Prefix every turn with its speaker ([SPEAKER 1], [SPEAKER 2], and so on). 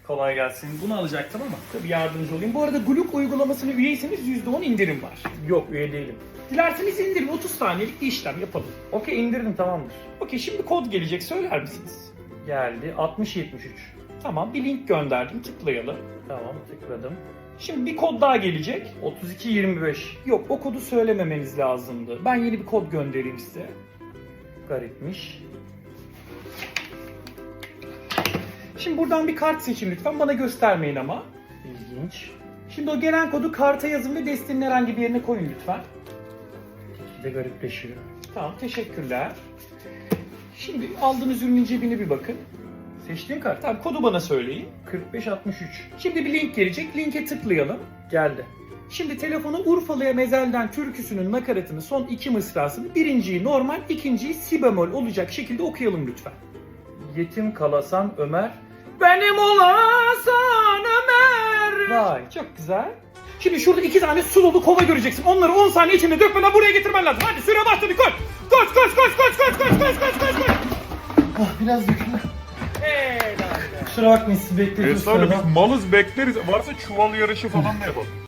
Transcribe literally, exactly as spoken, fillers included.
[SPEAKER 1] Kolay gelsin. Bunu alacaktım ama tabii yardımcı olayım. Bu arada Gluk uygulamasını üyeyseniz yüzde on indirim var.
[SPEAKER 2] Yok, üye değilim.
[SPEAKER 1] Dilerseniz indirin, otuz saniyelik bir işlem yapalım.
[SPEAKER 2] Okey, indirdim, tamamdır.
[SPEAKER 1] Okey, şimdi kod gelecek, söyler misiniz?
[SPEAKER 2] Geldi. altmış yetmiş üç.
[SPEAKER 1] Tamam, bir link gönderdim, tıklayalım.
[SPEAKER 2] Tamam, tıkladım.
[SPEAKER 1] Şimdi bir kod daha gelecek.
[SPEAKER 2] otuz iki yirmi beş.
[SPEAKER 1] Yok, o kodu söylememeniz lazımdı. Ben yeni bir kod göndereyim size.
[SPEAKER 2] Garipmiş.
[SPEAKER 1] Şimdi buradan bir kart seçin lütfen, bana göstermeyin ama.
[SPEAKER 2] İlginç.
[SPEAKER 1] Şimdi o gelen kodu karta yazın ve destenin herhangi bir yerine koyun lütfen.
[SPEAKER 2] Bir de garipleşiyor.
[SPEAKER 1] Tamam, teşekkürler. Şimdi aldığınız ürünün cebine bir bakın.
[SPEAKER 2] Seçtiğim kart.
[SPEAKER 1] Tamam, kodu bana söyleyin.
[SPEAKER 2] kırk beş altmış üç.
[SPEAKER 1] Şimdi bir link gelecek, linke tıklayalım.
[SPEAKER 2] Geldi.
[SPEAKER 1] Şimdi telefonu Urfalı'ya mezelden türküsünün nakaratını, son iki mısrasını, birinciyi normal, ikinciyi si bemol olacak şekilde okuyalım lütfen.
[SPEAKER 2] Yetim kalasan Ömer.
[SPEAKER 1] Benim olasan Ömer.
[SPEAKER 2] Vay.
[SPEAKER 1] Çok güzel. Şimdi şurada iki tane su dolu kova göreceksin. Onları on saniye içinde dökmeden buraya getirmen lazım. Hadi süre başladı, koş. Koş koş koş koş koş koş koş koş koş koş.
[SPEAKER 2] Ah, biraz döküldü.
[SPEAKER 1] Helal.
[SPEAKER 2] Kusura bakmayın, sizi bekletiyoruz.
[SPEAKER 3] Estağfurullah,
[SPEAKER 2] sıradan.
[SPEAKER 3] biz malız bekleriz. Varsa çuval yarışı falan da yapalım.